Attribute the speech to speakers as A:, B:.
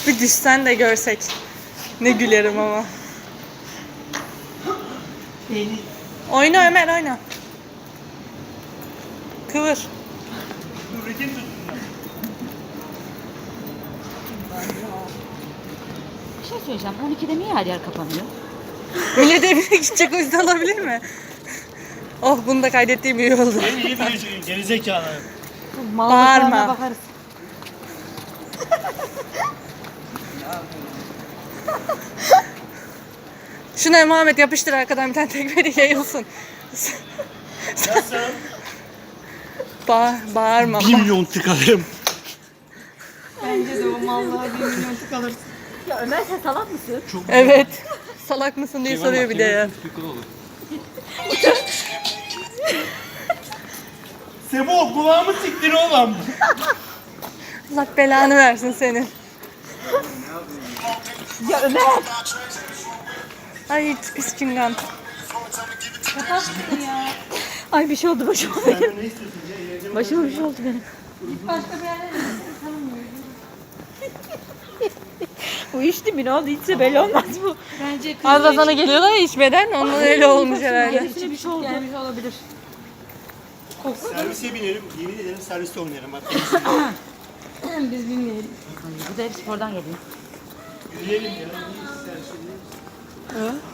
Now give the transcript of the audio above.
A: Bir düşsen de görsek. Ne gülerim ama. Oyna Ömer, oyna. Kıvır.
B: Bir şey söyleyeceğim. 12'de niye her yer kapanıyor?
A: Millet evine gidecek, o yüzden olabilir mi? Oh, bunu da kaydettiğim iyi oldu.
C: Ben iyi bir gerizekalı.
A: Bağırma.
B: Bakarız.
A: Şuna Muhammed yapıştır arkadan bir tane tekmeli yayılsın.
C: Nasıl?
A: Bağırma.
C: 1 milyon tıkarım.
B: Bence de o mallara 1 milyon tıkalırsın. Ya Ömer sen salak mısın?
A: Evet. Salak mısın diye soruyor bir de ya.
C: Sebo kulağımı siktir oğlum.
A: Allah belanı versin senin.
B: Ya Ömer!
A: Ay pis çingan.
B: Ay bir şey oldu başıma benim.
C: Ne istiyorsun?
B: Başıma bir şey oldu benim. Uyuştu mu, ne oldu? Hiç belli olmaz bu.
D: Bence
A: Arada sana geliyorlar ya içmeden, onun öyle olmuş herhalde.
B: Gerisine bir şey oldu. Gelmiş olabilir.
C: Servise binelim. Yemin ederim serviste oynarım. Bak.
D: biz bilmeyelim.
B: Bu da hep spordan geliyor.
C: Yürüyelim ya.